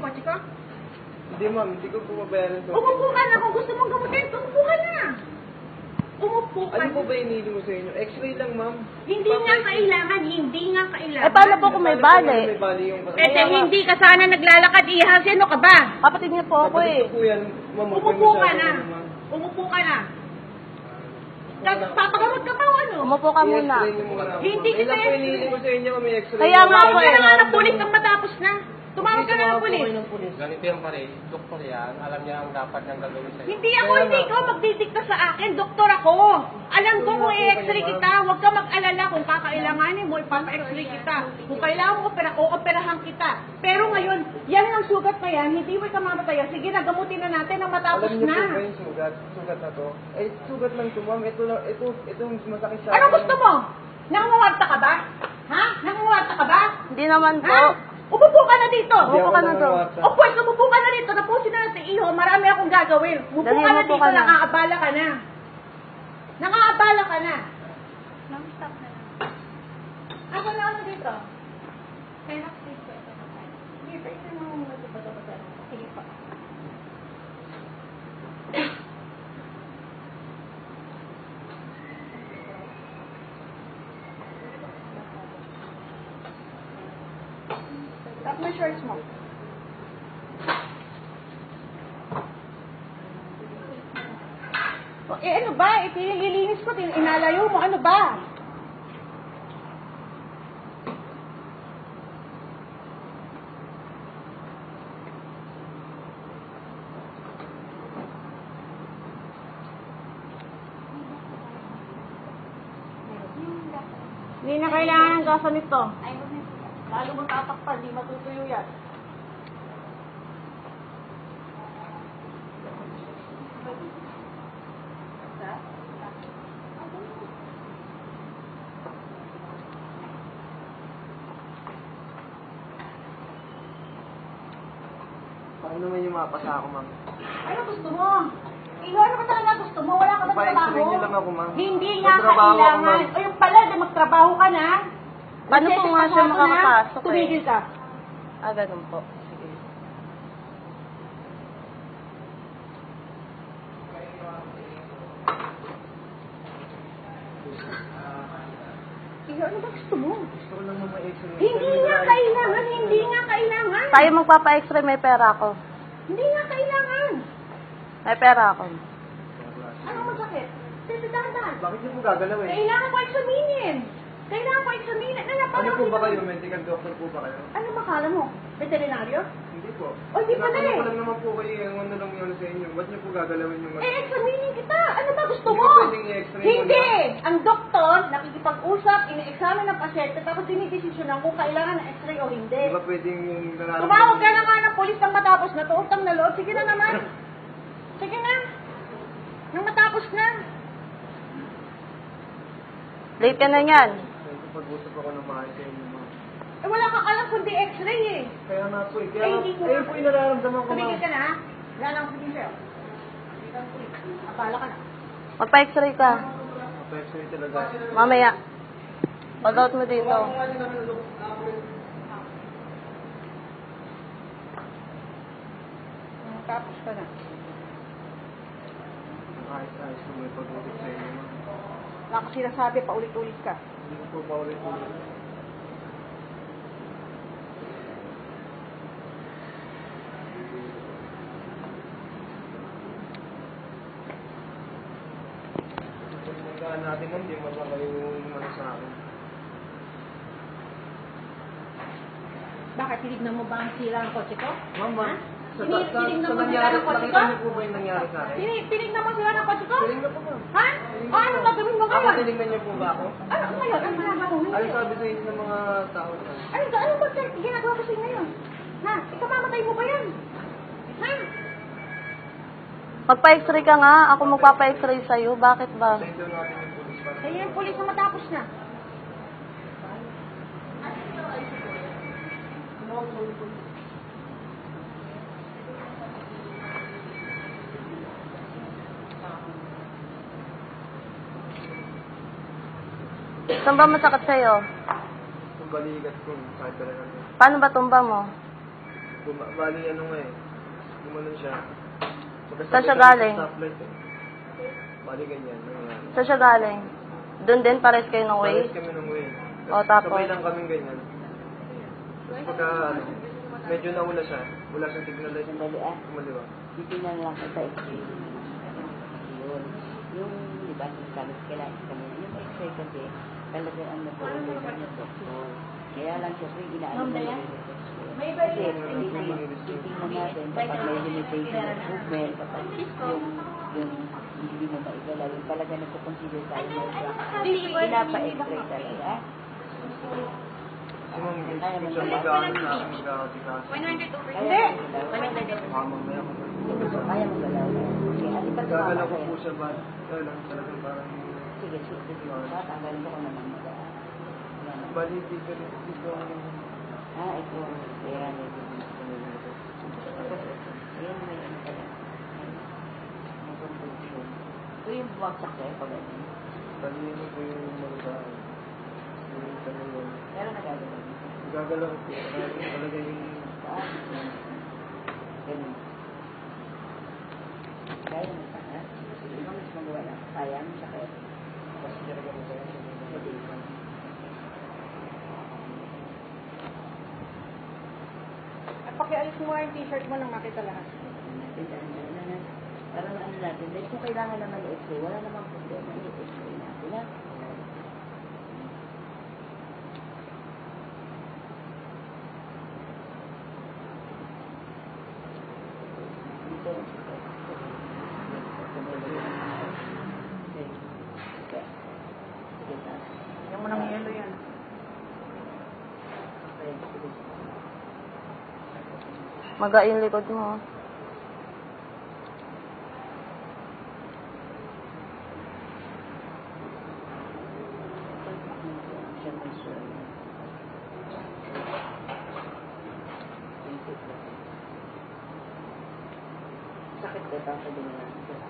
kotse ko? Hindi ma'am, hindi ko po mabayaran to. Umupo ka na. Kung gusto mong gamutin, umupo ka na. Umupo ka Ano na. po ba inili mo sa inyo? X-ray lang ma'am. Hindi nga kailangan. Hindi nga kailangan. Eh, paano po kung may bali? May bali yung Eh, hindi ka sana naglalakad, ihang. Sino ka ba? Kapatid niya po ako Kapatid eh. ko po yan, ma'am. Huwag Umupo kayo ka masyado, na. ma'am. Umupo ka na. Papagamot ka pa o ano? Umupo ka muna. I-X-ray niyo muna ako, Hindi ma'am. kita Ilan po i-X-ray. inili ko sa inyo, ma'am? May X-ray. Kaya nga Tumawag po ka eh. na nga ng pulis nang matapos na. Tumawag ka na ng pulis. Ganito yung pare, doktor yan, alam niya ang dapat niyang gagawin sa'yo. Hindi ako, hindi ikaw magdidikta sa akin. Doktor ako. Alam ko kung i-x-ray kita. Huwag ka mag-alala kung kakailanganin mo, ipapa-x-ray kita. Kung kailangan mo, operahan kita. Pero ngayon, yan ang sugat na yan, hindi mo ka mamataya. Sige, nagamutin na natin ang matapos Alam niyo na. po ba yung sugat? Sugat na to? Eh, sugat lang to, ma'am. Ito lang, ito masakit sa Ano gusto mo? Nangunguwarta ka ba? Ha? Nangunguwarta ka ba? Hindi naman po. Ha? Umupo ka na dito. Hindi Umupo ako ka na to. nangangawarta. O pues, umupo ka na dito. Tapusin na natin iho. Marami akong gagawin. Umupo Dali, ka na umupo dito. ka na. Nakaabala ka na. Nakaabala ka na. Ako na ano dito? Kaya dito. Dito, ito na mong nagpapagpapagpapag. Sige pa. Tap mo shorts mo. Eh ano ba? Ipinililinis ko, inalayo mo. Ano ba? Hindi na kailangan ng gasa nito. Lalo mo tatakpan, di matutuyo yan. Paano naman yung mapasa ako, ma'am? Ano gusto mo? Ikaw, ano ka talaga gusto mo? Wala ka ba Pa-X-ray trabaho? niyo lang ako, ma'am. Hindi nga Magtrabaho ako, kailangan. ma'am. O yung pala, di magtrabaho ka na. Paano po nga siya makakapasok eh? Tumigil ka. Ah, ganun po. Sige. Ikaw, ano ba gusto mo? Gusto ko lang naman X-ray. Hindi nga kailangan. Hindi nga kailangan. Tayo magpapa-x-ray, may pera ako. Hindi nga kailangan. May pera ako. Ano masakit? Sige, dahan-dahan. Bakit niyo po gagalawin? Kailangan ko examinin. Kailangan ko examinin. Ano po ba kayo? Medical doctor po ba kayo? Ano makala mo? Veterinaryo? Hindi po. Oh, hindi pala Tinatanong eh. ko lang naman po kayo yung ano lang yun sa inyo. Ba't niyo po gagalawin yung Eh, examinin kita. Ano ba gusto Hindi mo? ko pwedeng i-x-ray mo Hindi! Ang doktor, nakikipag-usap, ine-examine ng pasyente, tapos dinidesisyonan kung kailangan ng x-ray o hindi. Di ba pwedeng yung nararamdaman? Tumawag ka na nga ng polis nang matapos na to, utang na loob. Sige na naman. Sige na. Nang matapos na. Late ka na yan. Pag-usap ako ng mahal sa inyo, ma'am. Eh, wala kang alam kundi x-ray eh. Kaya nga po eh. Eh, Kaya hindi ko ayun po yung nararamdaman ko, ma'am. Tumigil ka na, ha? Wala lang sabihin sa'yo. Abala ka na. Magpa-x-ray ka. Mapexury talaga. Mamaya. Pag-out mo dito. Tapos ka na. Ayos-ayos ko may pag-usap sa inyo, ma'am. Wala ko sinasabi, paulit-ulit ka. Hindi ko po paulit-ulit. Pagkakaan natin ma'am, di mo ba kayo ano sa akin? Bakit? Tinignan mo ba ang sira ng kotse ko? Ma'am, Ha? ma'am. Sa Tinignan mo sira nangyari, ng kotse ko? nakita niyo po ba yung nangyari sa akin? Tinignan mo sira ng kotse ko? Tinignan po ma'am. Ha? O ano gagawin mo Ako, ngayon? tinignan niyo po ba ako? Ano ngayon? Ano ginagawa mo Ano ngayon? sabi sa inyo ng mga tao na? Ano ba ginagawa ko sa'yo ngayon? Ha? Ikamamatay mo ba yan? Ha? Magpa-x-ray ka nga. Ako magpapa-x-ray sa'yo. Bakit ba? Send down natin yung police para Kaya yung polis na matapos na. Saan ba masakit sa'yo? yung balikat ko, sakit talaga. Paano ba tumba mo? Bali, ano nga eh. Gumanon siya. Saan siya galing? Stoplight eh. Bali, ganyan. Nangyayari. Saan siya galing? Doon din, pares kayo ng way? Pares kami ng way. O, tapos? Sabay lang kaming ganyan. Tapos pagka, ano, medyo naula siya. Wala siyang signal light. Kumaliwa. Titingnan lang kita x-ray. Yun. Yung, di ba, sabi ko kailangan kanina, yung x-ray kasi, talaga ang nag-order ng doktor. Kaya lang, syempre, inaano mo yung May iba kasi, titingnan natin, kapag may limitation of movement, kapag yung hindi mo maigalaw, yung talaga nagko-consider tayo na pinapa-x-ray talaga. Kasi ma'am, gusto siya mag-ano na ako mag-aatikas. Hindi. Mamamaya ko. Kaya mo galaw. Okay, ati pa Gagalaw ko po siya ba? Kaya lang, talagang parang... Sige, tanggalin ko naman mag Bali, dito ang... ito. Kaya nito. Ayan, may ano pala. May confusion. Ito yung bumagsak kayo pag ano. Bali, ano po yung malugaan. Yung tanong. Pero nagagalaw. Gagalaw ko po. Talaga yung... Ganun. Kaya mo pa, ha? Sige, mo mas magawa na. Kaya mo sa kaya. Tapos talaga mo kaya sa mga. Pakialis mo nga yung t-shirt mo nang makita lahat. Para na ano natin. Dahil kung kailangan naman i-x-ray, wala namang problema. I-x-ray natin, ha? Dito. Yung mo nang yelo yan. Maga yung likod mo. Sakit ko tapos din na.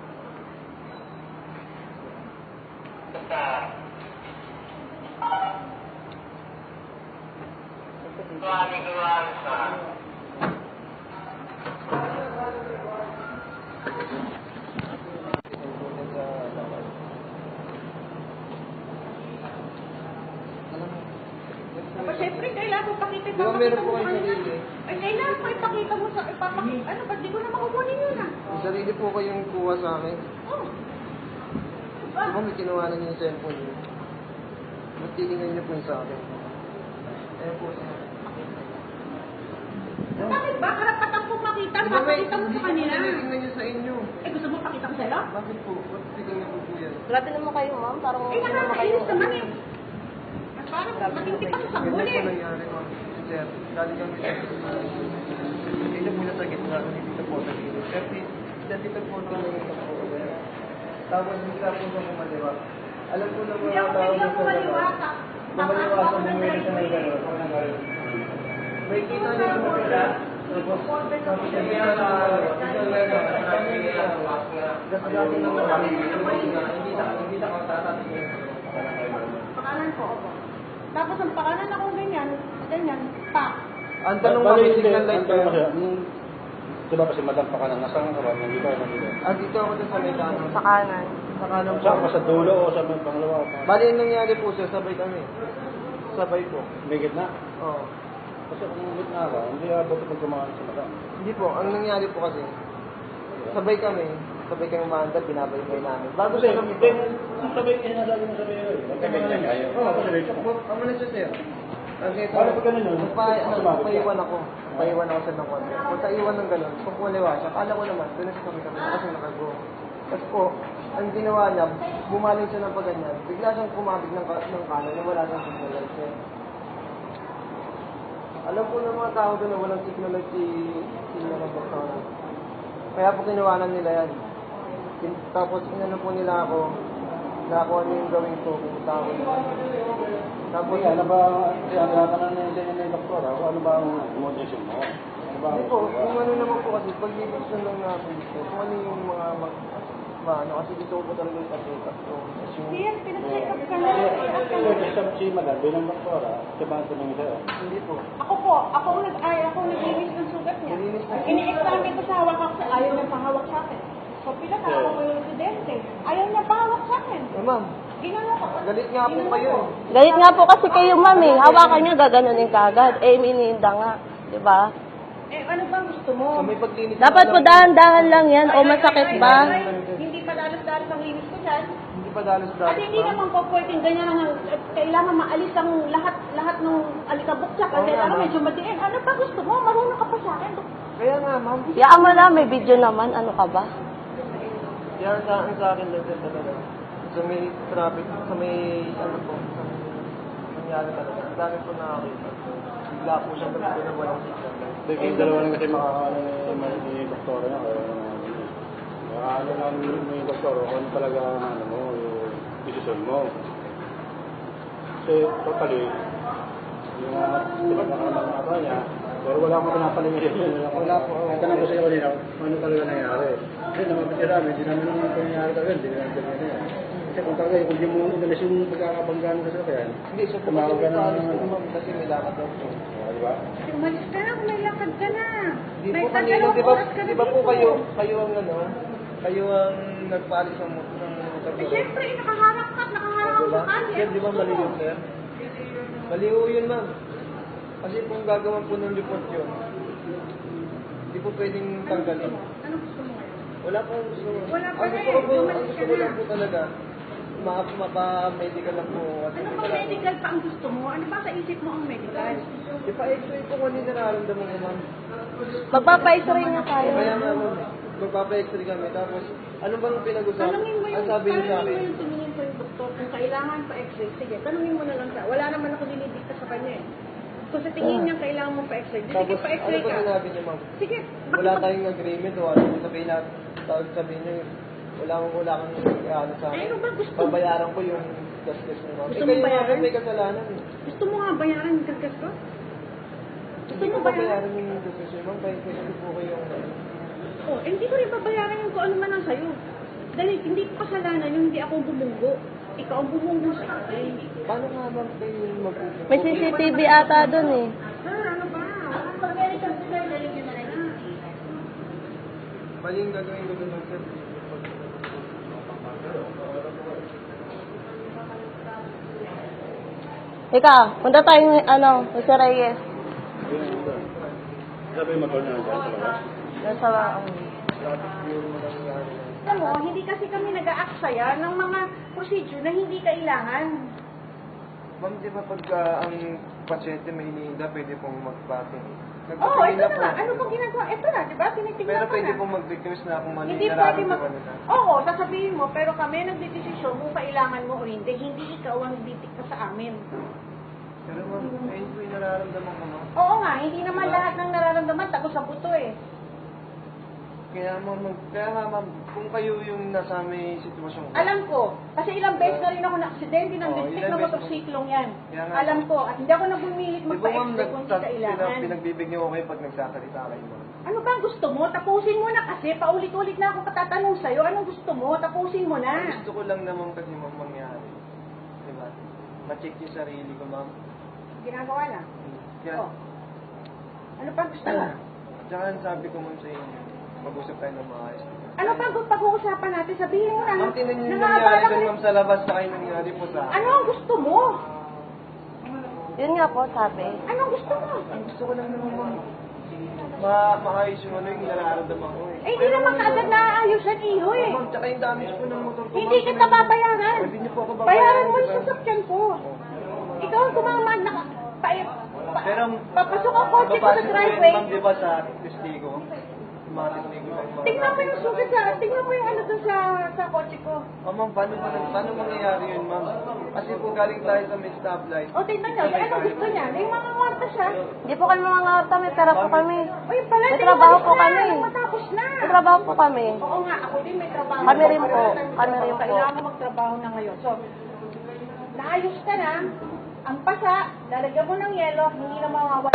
Pero syempre, kailangan mo pakita. Di ba meron po kayo sarili? Ay, kailangan mo ipakita mo sa... Ano, ba't di ko na makukunin yun ah? Yung sarili po kayong kuha sa akin. Oh. Di ba may kinuha na niyo yung cellphone niyo? Ba't titingnan niyo po yung sa akin? Ayun po siya. Bakit ba? Karapatan kong makita. Di ba may Pakita mo hindi sa ko kanila. tinitingnan niyo sa inyo? Eh, gusto mo pakita ko sa'yo? Bakit po? Ba't titingnan niyo po yan? Grabe naman kayo, ma'am. Parang Eh, hindi naman kayo. nakakainis naman eh. At parang matindi pa sa Ganyan huli. po nangyari, ma'am. Sir, dali kami sa dito po na sa gitna, dito po sa gilid. Dito po na dito po. Tapos bigla po sa kumaliwa. Alam po na Hindi mga ako tao pwede sa kumaliwa. gano'n. Kumaliwa sa bumili siya ng gano'n. May kita niya sa kapila. Tapos siya niya sa kasi dati na mga hindi na tatatingin. Pakanan ko ako. Tapos ang pakanan ako ganyan, pa. Ang tanong mo, may signal light Ang tanong kayo? kasi, diba kasi madam pa ka na, nasaan ka ba? Nandito ka nandito. Dito ako dun sa may kanan. Sa kanan. Sa kanan po. Saan ka sa dulo o sa may pangalawa? Bali, yung nangyari po sir, sabay kami. Sabay po. May gitna. Oo. Kasi kung gitna ka, hindi abot pag kumakan sa madam. Hindi po, ang nangyari po kasi, sabay kami umandar, binabay-bay namin. Bago Kasi, siya kami. kung sabay, sinasabi mo sabay yun. Magkabay niya kayo. Oo, kasi rito ko. Amo na siya sir. Kasi ito, Paano pag ganun yun? nagpaiwan ako. Paiwan ako sa ng konti. Kung sa iwan ng gano'n, kung kumaliwa siya, kala ko naman, doon na siya kami kasi nakago. Tapos po, ang ginawa niya, bumaling siya ng paganyan. Bigla siyang kumabig ng kanan na wala siyang signal light siya. Alam po ng mga tao doon na walang signal light si ng doktor. Kaya po kinuwanan nila yan. Tapos inano po nila ako, na ako ano yung gawin ko, pumunta ako nila. Tapos, Ano ba, ang tinatanong na yung ng doktor, ano ba ang motivation mo? Ano ba ang hindi po, kung ano naman po kasi, pag gusto lang natin dito, kung ano yung mga ano, kasi dito ko po talaga yung kasi, tapos yung, Siyan, pinacheck up ka na. Si Madam, bilang doktora, siya ba ang tumingin sa'yo? Hindi po. Ako ako naglinis ng sugat niya. Nilinis na. Ini-examine ko sa hawak ako, ayaw niya pahawak sa akin. So, pinatawag ko yung residente. Ayaw niya pahawak sa akin. Ma'am, Ginano ko. galit nga po kayo eh. Galit nga po kasi kayo, ma'am eh. Hawakan niya, gaganunin ka agad. Eh, mininda nga. Di ba? Eh, ano ba gusto mo? Sa may paglinis. Dapat po dahan-dahan lang yan. O masakit ba? Hindi pa dalos-dalos ang linis ko dyan. Hindi pa dalos-dalos. At hindi ma'am. naman po pwedeng ganyan ang kailangan maalis ang lahat ng alikabok siya. Kasi Oo, kailangan ma'am. medyo madiin. Ano ba gusto mo? Marunong ka pa sa akin. Kaya nga, ma'am. Yaan mo lang, may video naman. Ano ka ba? Yan sa akin lang din talaga. Sa may traffic, sa may ano po, sa may nangyari talaga. Ang dami po nakakita. Bigla po siyang gabi na walang signal. Hindi, kayong dalawa lang kasi makakaano ni doktora niya. Makakaano lang ni doktora kung ano talaga ano mo, yung decision mo. Kasi totally, yung pinagkakamata niya, pero wala akong pinapalingin. Wala po. Tanong ko sa iyo kanina, ano talaga nangyari. Kasi namapitira namin, hindi namin naman nangyari talaga, hindi namin talaga yan. Kasi kung talaga, kung di mo inalis yung pagkakabanggaan ka sa kaya, Hindi, so po tumawag ka na kasi may lakad daw po. di ba? Umalis ka na, may lakad ka na. Di May po kanina, dalawang di ba, oras ka na di ba po dito. kayo ang ano, kayo ang nagpaalis ng motor. Eh, syempre, nakaharap ka Diba? sa kanya. Yan, di ba mali yun, sir? Mali ho yun, ma'am. Kasi kung gagawan po ng report yun, hindi po pwedeng tanggalin. Ano gusto mo ngayon? Wala po ang gusto. Wala pa Ang gusto rin. ko po, ang Umalis gusto ka ko na. lang po talaga, mapa-medical lang po. Kasi Ano bang medical pa ang gusto mo? Ano ba sa isip mo ang medical? Ipa-x-ray po kung ano yung nararamdaman ko, ma'am. Magpapa-x-ray nga tayo. Kaya nga, ma'am, magpapa-x-ray kami. Tapos, ano bang pinag-usapan? Tanungin mo Ang yung, sabi niyo sa akin, tumingin ko yung doktor kung kailangan pa x-ray. Sige, tanungin mo na lang siya. Wala naman ako dinidikta sa kanya eh. Kung sa tingin niya kailangan mo pa x-ray, di sige tapos, pa ano x-ray ba ka. sinabi niyo, ma'am? Sige, Wala tayong agreement o ano, sabihin na, sabihin niyo, wala kang ano sa akin. Ano ba gusto mo? Babayaran ko yung gastos mo, ma'am. Gusto Eh, mo kayo bayaran? nga may kasalanan eh. Gusto mo nga bayaran yung gagas ko? Gusto Hindi mo ko bayaran? babayaran yung gastos mo, ma'am. Kahit kasi po kayong ano. Oh, hindi ko rin babayaran yung kung ano man ang sayo. Dahil hindi ko kasalanan yung hindi ako bumunggo. Ikaw ang bumunggo sa akin. Paano nga ma'am kayo mag-uusap? May CCTV ata dun eh. Sir, ano ba? Pag medical sir, lalagyan na rin na. Mali yung gagawin ko doon, sir. Ika, punta tayo ano, Jose Reyes. Sabi yung motor niya dyan sa labas. Doon sa Traffic yung nangyari. Alam mo, hindi kasi kami nag-aaksaya ng mga procedure na hindi kailangan. Ma'am, di ba pag ang pasyente may iniinda, pwede pong mag-batting? Oo, ito na nga. Ano pong ginagawa? Ito na, di ba? Tinitingnan Pero ko pwede na. pong mag-request na kung ano Hindi yung pwede mag... nararamdaman nila. Oo, sasabihin mo, pero kami nagdedesisyon kung kailangan mo o hindi. Hindi ikaw ang didikta sa amin. Pero ma'am, ayun po yung nararamdaman ko, ma'am. Oo nga, hindi naman lahat ng nararamdaman tapos sa buto eh. Kaya nga ma'am, kung kayo yung nasa may sitwasyon ko, Alam ko, kasi ilang beses na rin ako na-aksidente ng Oo, bisik ilang na beses motorsiklong yan. Kaya nga. Alam ko, at hindi ako nabumilit di ba ma'am, magpa-extra kung hindi kailangan. pinagbibigyan ko kayo pag nagsasalita kayo, ma'am. Ano ba ang gusto mo? Tapusin mo na kasi, paulit-ulit na ako katatanong sa'yo. Anong gusto mo? Tapusin mo Ang na. gusto ko lang naman kasi ma'am mangyari. Di ba? Ma-check yung sarili ko, ma'am. Ginagawa na. Kaya, Oh. Ano pa gusto mo? tsaka ang sabi ko ma'am sa inyo, mag-usap tayo ng maayos. Ano pa pag-uusapan natin? Sabihin mo na. Ma'am, tinan niyo yung Nangaabala nangyari ka doon na- ma'am sa labas na kayo nangyari po sa Ano ang gusto mo? Yun nga po, sabi. Anong gusto mo? Ang gusto ko lang naman ma'am, maayos yung ano yung nararamdaman ko eh. Eh, hindi naman kaagad naaayos yan, iho eh. Ma'am, tsaka yung damage po ng motor ko. Hindi ma'am, kita babayaran. Hindi niyo po ako babayaran. Bayaran mo di yung ba? sasakyan ko. Ikaw ang tumamad na Pero, papasok ang kotse ko sa papasok ko yun, driveway. ma'am, di ba sa testigo? Tumatistigo lang mga Tingnan mo yung sugat tingnan mo yung ano doon sa kotse ko. Oh, ma'am, paano mangyayari yun, ma'am? Kasi po galing tayo sa may stoplight. O, tingnan nyo, ano gusto niya? Yung mga muerta siya. Hindi po kami mga ngawta, may pera po kami. Uy, pala, May di trabaho umalis po na, kami. matapos na. May trabaho po kami. Oo nga, ako din may trabaho. Kami rin po. Kami rin po. Kailangan mo magtrabaho na ngayon. So, naayos ka na. Ang pasa, lalagyan mo ng yelo, hindi na mawawala.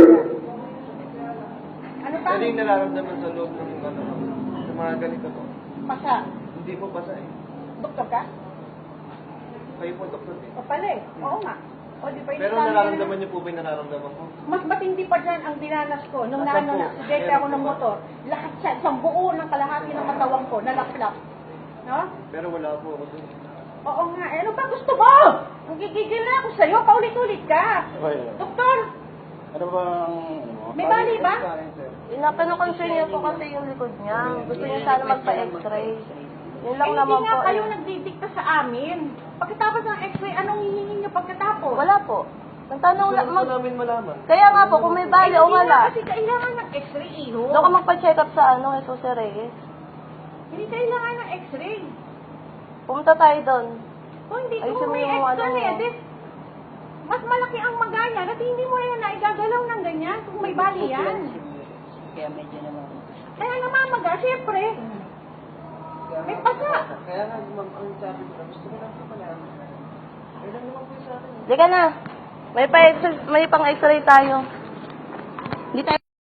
Ano pa? Ano yung nararamdaman sa loob ng ano, sa mga ganito po? Pasa. Hindi po basa eh. Doktor ka? Kayo po, doktor eh. O pala eh. Oo nga. O di ba yung Pero sabi nararamdaman niyo po ba yung nararamdaman ko? mas matindi pa dyan ang dinanas ko nung Asan po? na-aksidente ako ng motor. Lahat siya, isang buo ng kalahati ng katawan ko, nalaklap. No? Pero wala po ako dun. Oo nga. Eh, ano ba gusto mo? Ang gigigil na ako sa'yo, paulit-ulit ka. Okay. Doktor, Ano ba ang ano mo? may bali ba? Sa akin, sir. Pinapanukonsin niya po kasi yung likod niya. Gusto niya sana magpa-x-ray. Yun lang Eh, naman hindi nga po. kayo nagdidikta sa amin. Pagkatapos ng x-ray, anong hihingi niyo pagkatapos? Wala po. Nagtanong Gusto lang. ko namin malaman. Kaya nga po, kung may bali o Hindi nga wala. kasi kailangan ng x-ray, iho. Doon ka magpa-check up sa ano, Jesus Reyes. Hindi kailangan ng x-ray. Pumunta tayo doon. Kung hindi, Ayusin kung mo may yung x-ray, ano. edit, mas malaki ang magaya at hindi mo yan naigagalaw ng ganyan kung may bali yan. Kaya medyo naman. Kaya namamaga, syempre. May pasa. Kaya nga, ma'am, ang sabi ko, gusto ko lang po malaman. Ayun lang naman po yung sa akin. Di ka na. May pang x-ray tayo.